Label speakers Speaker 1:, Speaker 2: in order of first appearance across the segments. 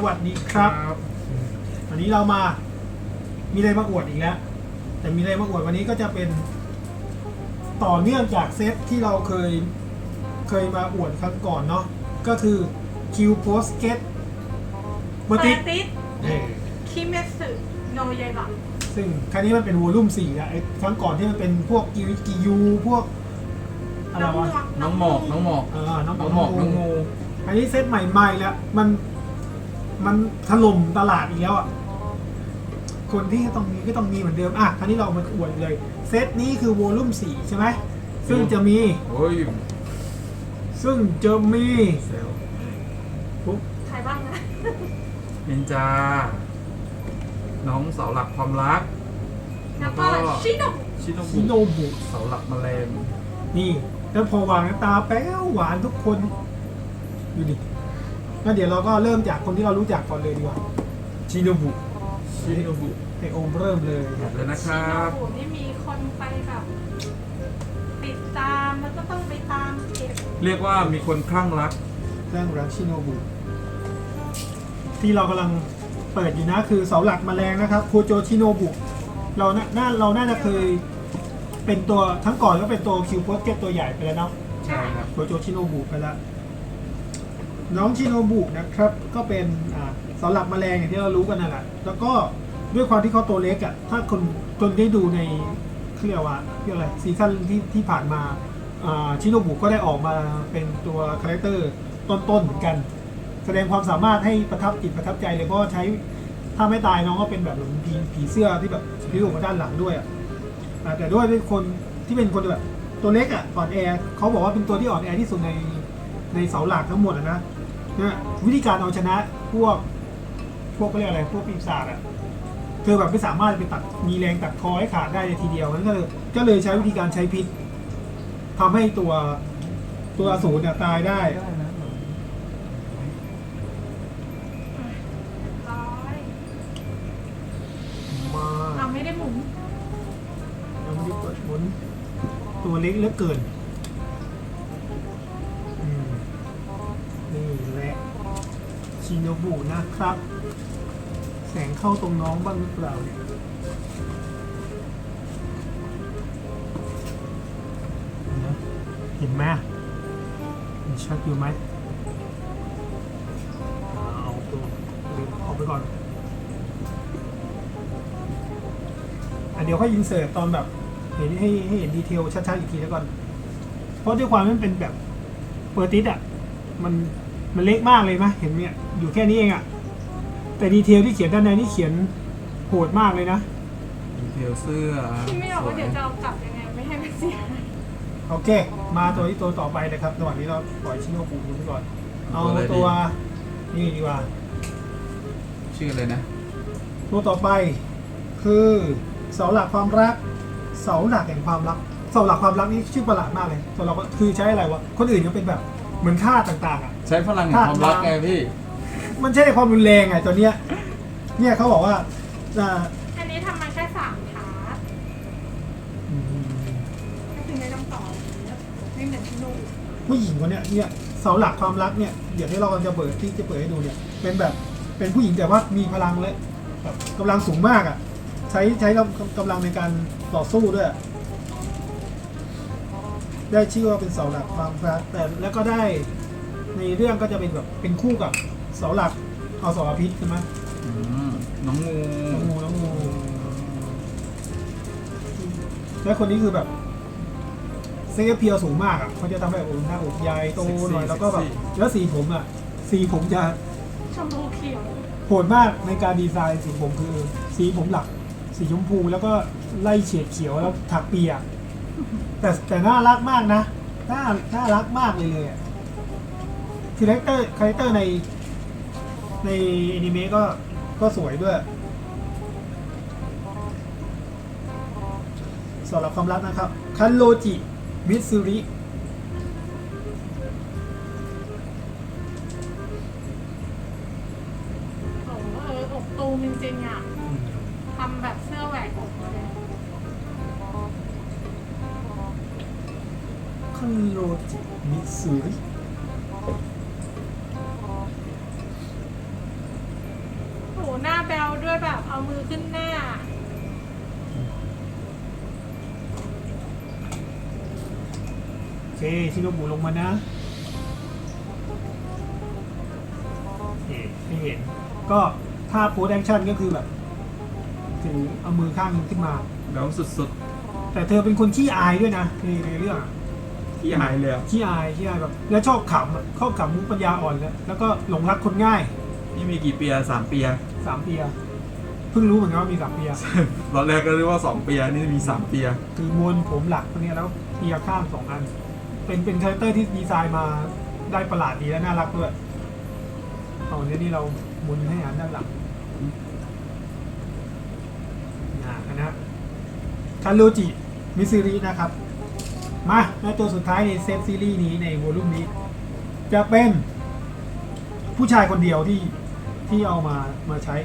Speaker 1: วัสดีครับวันนี้เรามามีอะไรมาอวดอีกแล้วแต่มีอะไรมาอวดวันนี้ก็จะเป็นต่อเนื่องจากเซตที่เราเคยมาอวดครั้งก่อนเนาะก็คือ Q Post Get เบอร์ติส
Speaker 2: คิเมสึโนเยบะ
Speaker 1: ซึ่งครั้งนี้มันเป็นวอลลุ่ม4นะไอ้ครั้งก่อนที่มันเป็นพวกกิยูพวกอะไรวะ
Speaker 3: น้องหมอกน้องงู
Speaker 1: อันนี้เซตใหม่ๆแล้วมันถล่มตลาดอีกแล้วอ่ะคนที่ต้องมีก็ต้องมีเหมือนเดิมอ่ะครั้งนี้เรามาอวดเลยเซตนี้คือวอลลุ่ม4ใช่ไหมซึ่งจะมี
Speaker 2: ใครบ้างนะ
Speaker 3: นินจาน้องเสาหลักความรัก
Speaker 2: แล้วก็ชิโนบุ
Speaker 3: เสาหลักแมลง
Speaker 1: นี่แล้วพอวางตาแป๊วหวานทุกคนดูดิงั้นเดี๋ยวเราก็เริ่มจากคนที่เรารู้จักก่อนเลยดีกว่าชิโนบุให้โอมเริ่มเลย
Speaker 3: นะครับ
Speaker 2: ชิโนบุนี่มีคนไปแบบติดตามแล้วก็ต้องไปตามเก็บ
Speaker 3: เรียกว่ามีคนคลั่งรัก
Speaker 1: ชิโนบุที่เรากำลังเปิดอยู่นะคือเสาหลักแมลงนะครับโคโจชิโนบุเราน่าจะเคยเป็นตัวทั้งก่อนก็เป็นตัวคิวโพสเก็ตตัวใหญ่ไปแล้วเนาะ
Speaker 3: ใช่ครับ
Speaker 1: โคโจชิโนบุไปแล้วน้องชิโนบุนะครับก็เป็นเสาหลักแมลงอย่างที่เรารู้กันนั่นแหละแล้วก็ด้วยความที่เขาตัวเล็กอ่ะถ้าคนได้ดูในเรียกว่าอะไรซีซั่นที่ผ่านมาชิโนบุก็ได้ออกมาเป็นตัวคาแรคเตอร์ต้นๆเหมือนกันแสดงความสามารถให้ประทับใจเลยเพราะใช้ถ้าไม่ตายน้องก็เป็นแบบผีเสื้อที่แบบพิ้วออกมาด้านหลังด้วยแต่ด้วยคนที่เป็นคนแบบตัวเล็กอ่อนแอเขาบอกว่าเป็นตัวที่อ่อนแอที่สุดในเสาหลักทั้งหมดนะวิธีการเอาชนะพวกก็เรียกอะไรพวกปีศาจเธอแบบไม่สามารถไปตัดมีแรงตัดคอให้ขาดได้ในทีเดียวนั้นก็เลยใช้วิธีการใช้พิษทำให้ตัวอสูรเนี่ยตายได้
Speaker 2: เราไม่ได้หมุน
Speaker 1: ตัวเล็กเหลือเกินนี่แหละชิโนบุนะครับแสงเข้าตรงน้องบ้างหรือเปล่าเนี่ยเห็นไหมชัดอยู่ไหมเอาตัวออกไปก่อนเดี๋ยวค่อยอินเสิร์ตตอนแบบเห็นให้เห็นดีเทลชัดๆอีกทีแล้วก่อนเพราะด้วยความมันเป็นแบบเปอร์ติสมันเล็กมากเลยมั้ยเห็นเนี่ยอยู่แค่นี้เองแต่ดีเทลที่เขียนด้านในนี่เขียนโหดมากเลยนะ
Speaker 3: ดีเทลเสื้อ
Speaker 2: ที่ไม่ออกว่าเดี๋ยวจะเอากลับยังไงไม่ให้มันเสีย
Speaker 1: โอเคมาตัวต่อไปนะครับระหว่างนี้เราปล่อยชิโนบุไปก่อนเอาตัวนี่ดีกว่า
Speaker 3: ชื่ออะไรนะ
Speaker 1: ตัวต่อไปคือเสาหลักความรักเสาหลักแห่งความรักเสาหลักความรักนี่ชื่อประหลาดมากเลยตัวเราก็คือใช้อะไรวะคนอื่นก็เป็นแบบเหมือนค่าต่าง
Speaker 3: ๆใช้พลังแห่งความรักไงพี่
Speaker 1: มันใช่ในความรุนแรงตัวเนี้ยเขาบอกว่า
Speaker 2: อันนี้ทำมาแค่3 พาร์ทก็คือในลำต่อไม่เหมือนที่นู่น
Speaker 1: ผู้หญิงคนเนี้ยเสาหลักความรักเนี่ยเดี๋ยวที่เราจะเปิดให้ดูเนี่ยเป็นผู้หญิงแต่ว่ามีพลังและแบบกำลังสูงมากใช้กำลังในการต่อสู้ด้วยได้ชื่อว่าเป็นเสาหลักความรักแต่แล้วก็ได้ในเรื่องก็จะเป็นแบบเป็นคู่กับเสาหลักเอาสอพิษใช่ไหม
Speaker 3: น้องงู
Speaker 1: และคนนี้คือแบบเซ็กเพียวสูงมากเขาจะทำให้หน้าอกใหญ่โตหน่อยแล้วก็แบบแล้วสีผมจะ
Speaker 2: ชมพูเขียว
Speaker 1: โหดมากในการดีไซน์สีผมคือสีผมหลักสีชมพูแล้วก็ไล่เฉดเขียวแล้วถักเปียแต่น่ารักมากนะน่ารักมากเลยคาแรคเตอร์ในอนิเมะก็สวยด้วยสำหรับความรักนะครับคันโรจิมิตซึริ
Speaker 2: อกตูมจริงๆทำแบบเสื้อแหวกอกเลย
Speaker 1: คันโรจิมิตซึริ
Speaker 2: เอามือขึ้นหน้า
Speaker 1: โอเคชิโนบุลงมานะนี่ให้เห็นก็ท่าโพสแอคชั่นก็คือแบบถือเอามือข้างนึงขึ้นมา
Speaker 3: แล้วสุด
Speaker 1: แต่เธอเป็นคนขี้อายด้วยนะในเรื่องอะ
Speaker 3: ๆที่หายเลยอะ
Speaker 1: ขี้อายแบบแล้วชอบขำอะชอบขำมุกปัญญาอ่อนแล้วก็หลงรักคนง่าย
Speaker 3: นี่มีกี่เปีย3 เปีย
Speaker 1: 3 เปียเพิ่งรู้เหมือนกันว่ามี3 เปีย
Speaker 3: ตอนแรกก็เรียกว่า2 เปียนี่มี3 เปีย
Speaker 1: คือมวลผมหลักตัวเนี้ยแล้วเปียข้าง2 อันเป็นคาแรคเตอร์ที่ดีไซน์มาได้ประหลาดดีและน่ารักด้วยเอาเนี้ยนี่เราหมุนให้อ่านด้านหลังนะคาโรจิมิซิรินะครับมาแล้วตัวสุดท้ายในเซตซีรีส์นี้ในวอลลุ่มนี้ จะเป็นผู้ชายคนเดียวที่เอามาใช้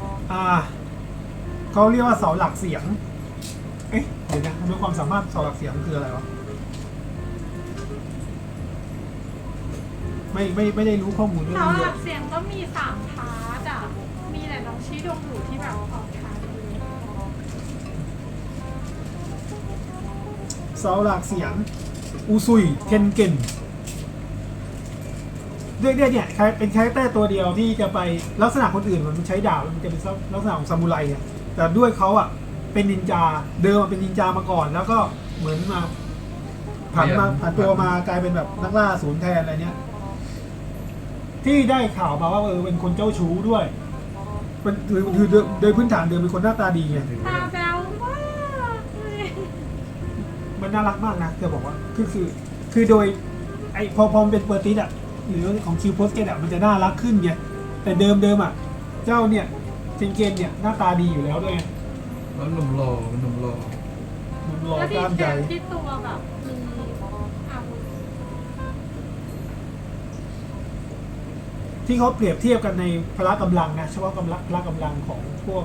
Speaker 1: เขาเรียกว่าเสาหลักเสียงเอ๊ะเดี๋ยวนะด้วยความสามารถเสาหลักเสียงคืออะไรวะไม่ได้รู้ข้อมูลเรื่อง
Speaker 2: เสา
Speaker 1: นี้
Speaker 2: ห
Speaker 1: เล
Speaker 2: ลั
Speaker 1: ย
Speaker 2: กเสียงก็มี3 พาร์ทอ่ะ มีแต่น้องชี้ดงอยู่ที่แบบออกทางเลย
Speaker 1: เสาหลักเสียงอุซุยเทนเกนด้วยเนี่ยเป็นคาแรคเตอร์ตัวเดียวที่จะไปลักษณะคนอื่นมันใช้ดาบมันจะเป็นลักษณะของซามูไรเนี่ยแต่ด้วยเขาอ่ะเป็นนินจาเดิมเป็นนินจามาก่อน แล้วก็เหมือนมาผ่านตัวมากลายเป็นแบบนักล่าศูนย์แทนอะไรเนี้ยที่ได้ข่าวมาว่าเป็นคนเจ้าชู้ด้วยเป็นคือโดยพื้นฐานเดิมเป็นคนหน้าตาดีไง
Speaker 2: ตาแบ๊วมากเลย
Speaker 1: มันน่ารักมากนะจะบอกว่าคือโดยไอพอมันเป็นเปอร์ติสอ่ะหรือของคิวโพสเกตอ่ะมันจะน่ารักขึ้นไงแต่เดิมอ่ะเจ้าเนี่ยเจนเกนเนี่ยหน้าตาดีอยู่แล้วด้วย
Speaker 3: แล้วหนุ่มหล่อหนุ่มหล่อ
Speaker 1: มันรอ
Speaker 2: แล้ว
Speaker 1: ก
Speaker 2: ดี
Speaker 1: ล้าม
Speaker 2: แค
Speaker 1: ใหญ่
Speaker 2: มที่ตัวแบบมีอาวุธ
Speaker 1: ที่เขาเปรียบเทียบกันในพละกำลังนะเฉพาะพละกำลังของพวก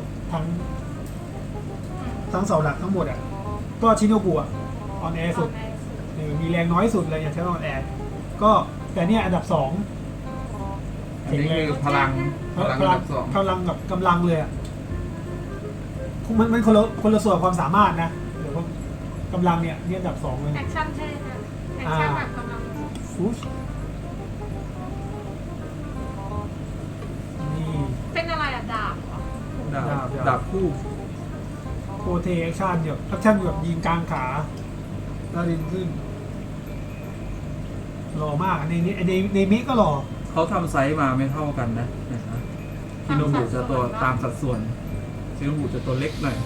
Speaker 1: ทั้งเสาหลักทั้งหมดอ่ะก็ชิโนบุอ่ะออนแอร์สุดมีแรงน้อยสุดเลยอย่างเช่นออนแอร์ก็แต่เนี่ยอันดับ2
Speaker 3: อันนี้คือพลังอันดับ 2
Speaker 1: กำลังกับกำลังเลยอ่ะมันคนละส่วนความสามารถนะเดี๋ยวกำลังเนี่ยอันดับ2เลย
Speaker 2: แอคชั่นเท่นะแอคชั่นแบบกำลัง
Speaker 1: ฟูชนี่
Speaker 2: เป็นอะไรอะดาบเหรอ
Speaker 3: ดาบคู่
Speaker 1: โคเทแอคชั่นเนี่ยแอคชั่นแบบยิงกลางขาแล้วดึงขึ้นหล่อมากในมิก็หล่อ
Speaker 3: เขาทำไซส์มาไม่เท่ากันนะชิโนบุจะตัวตามสัดส่วนชิโนบุจะตัวเล็กหน่อย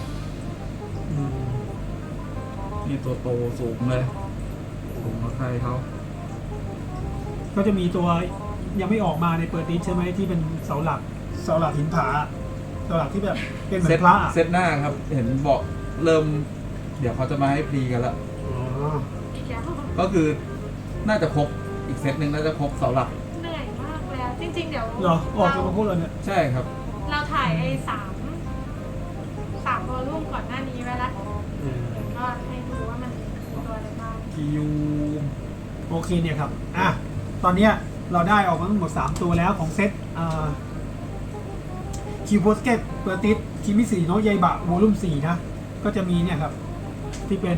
Speaker 3: นี่ตัวโตสูงเลยสูงกว่าใครเขา
Speaker 1: ก็จะมีตัวยังไม่ออกมาในเปิดดิสใช่ไหมที่เป็นเสาหลักหินผาเสาหลักที่แบบเป็นเหมือนพระอะ
Speaker 3: เซตหน้าครับ เห็นบอกเริ่ม เดี๋ยวเขาจะมาให้พรีกันแล้ว
Speaker 1: อ๋อ
Speaker 2: อีกแล้ว
Speaker 3: ก็คือน่าจะครบอีกเซตหนึ่งน่าจะครบเสาหลัก
Speaker 2: เหนื่อยมากแล้ว จริงๆเดี๋ยว
Speaker 1: เหรอออกกันมาพูดเลยเนี่ย
Speaker 3: ใช่ครับ
Speaker 2: เราถ่ายไอ้3 วอลลุ่มก่อนหน้านี้ไว้แล้วเดี๋ยวก็ให้ดูว่ามันมีตัวอะไรบ้าง
Speaker 3: คิว
Speaker 1: โอเคเนี่ยครับตอนเนี้ยเราได้ออกมาทั้งหมด3ตัวแล้วของเซตคิวโพสเกตเปิดดิสคิมิสีโนะยายบะโวลุ่ม4นะก็จะมีเนี่ยครับที่เป็น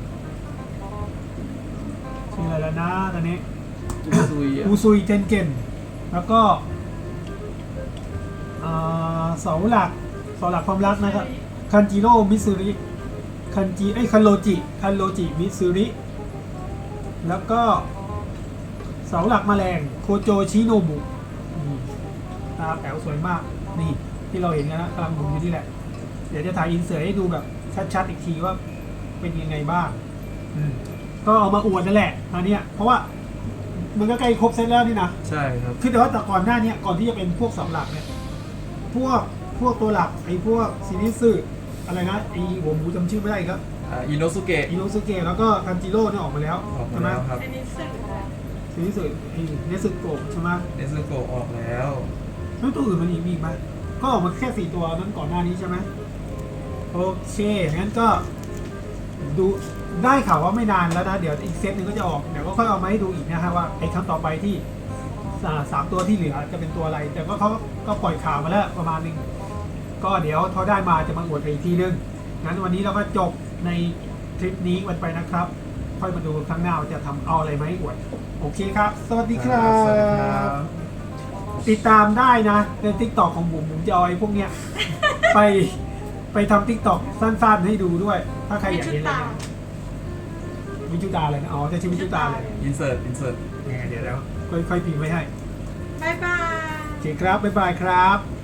Speaker 1: ชื่ออะไรแล้วนะตอนนี้
Speaker 3: ซุย
Speaker 1: อูซุยเทนเกนแล้วก็เสาหลักความรักนะครับคันจิโร่มิซูริคันโรจิมิซูริแล้วก็เสาหลักแมลงโคโจชิโนบุตาแป๋วสวยมากนี่ที่เราเห็นกันนะกำลังหมุนอยู่นี่แหละเดี๋ยวจะถ่ายอินเสิร์ตให้ดูแบบชัดๆอีกทีว่าเป็นยังไงบ้างก็เอามาอวดนั่นแหละอันเนี้ยเพราะว่ามันก็ใกล้ครบเซตแล้วนี่นะ
Speaker 3: ใช่ครับ
Speaker 1: คือแต่ว่าแต่ก่อนหน้านี้ก่อนที่จะเป็นพวกเสาหลักเนี่ยพวกตัวหลักไอ้พวกซีรีส์อะไรนะไอ้หัวหมูจำชื่อไม่ได้อีกแล้ว
Speaker 3: อิโนสุเกะ
Speaker 1: อิโนสุเกะแล้วก็คันจิโร่เนี่ยออกมาแล้ว
Speaker 3: ออกมา
Speaker 1: ใช่ไหม
Speaker 3: แล้วครับ
Speaker 2: อันนี้สื่อแล้ว
Speaker 1: ซีรีส์ไอ้เนสึโกะใช่ไหม
Speaker 3: เนซึโกะออกแล้ว
Speaker 1: แล้วตัวอื่นมันมีอีกไหมก็ออกมาแค่4 ตัวนั้นก่อนหน้านี้ใช่ไหมโอเคงั้นก็ดูได้ข่าวว่าไม่นานแล้วนะเดี๋ยวอีกเซตหนึงก็จะออกเดี๋ยวก็ค่อยเอามาให้ดูอีกนะฮะว่าไอ้ครั้งต่อไปที่3 ตัวที่เหลือจะเป็นตัวอะไร แต่ก็เขาก็ปล่อยข่าวมาแล้วประมาณนึงก็เดี๋ยวพอได้มาจะมาอวดกันอีกทีนึงงั้นวันนี้เราก็จบในทริปนี้กันไปนะครับ ค่อยมาดูครั้งหน้าว่าจะทำเอาอะไรมาให้อวดโอเคครับ สวัสดีครั
Speaker 3: สวัสดีครับ บ
Speaker 1: ติดตามได้นะใน TikTok ของบุ๋มจะเอาไอ้พวกเนี้ย ไปทำ TikTok สั้นๆให้ดูด้วย ถ้าใครอยากเห็นอะไรนะวิจุตาเลยนะอ๋อจะชื่อวิจุตาเลย
Speaker 3: อินเสิร์ต
Speaker 1: เนี่ยเดี๋ยวแล้วค่อยๆพิมพ์ไว้ให้
Speaker 2: บ๊ายบาย
Speaker 1: โอเคครับบ๊ายบายครับ